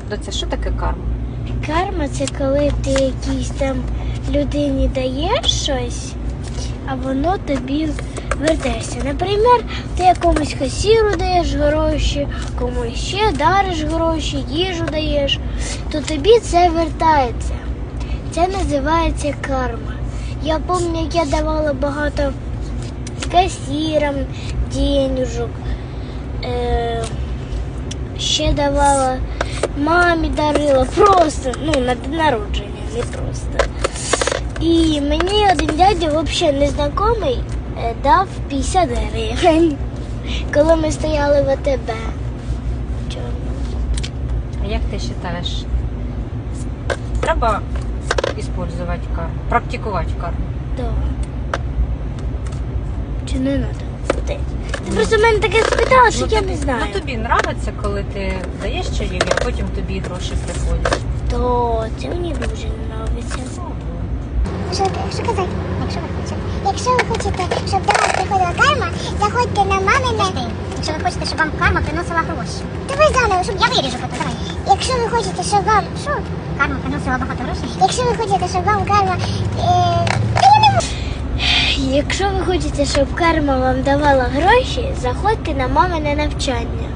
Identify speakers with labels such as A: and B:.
A: Доця, що таке карма?
B: Карма – це коли ти якійсь там людині даєш щось, а воно тобі вертається. Наприклад, ти якомусь касіру даєш гроші, комусь ще дариш гроші, їжу даєш, то тобі це вертається. Це називається карма. Я пам'ятаю, як я давала багато касірам денежок, ще давала мамі, дарила просто, на день народження, не просто. І мені один дядя, взагалі незнайомий, дав 50 гривень, коли ми стояли в АТБ.
A: А як ти вважаєш? Треба використовувати карму, практикувати карму?
B: Так. Чи не треба? Ти просто мене таке спитала, що я не знаю.
A: Ну тобі подобається, коли ти даєш чайові, а потім тобі гроші приходять?
B: То це мені дуже подобається.
C: Що казати? Якщо ви хочете, щоб до вас приходила карма, заходьте на мамине. Якщо ви хочете, щоб вам карма приносила гроші. Давай заново, щоб я виріжу фото, давай. Якщо ви хочете, щоб вам... Що? Карма приносила багато грошей? Якщо ви хочете, щоб вам карма...
B: Якщо ви хочете, щоб карма вам давала гроші, заходьте на мамине навчання.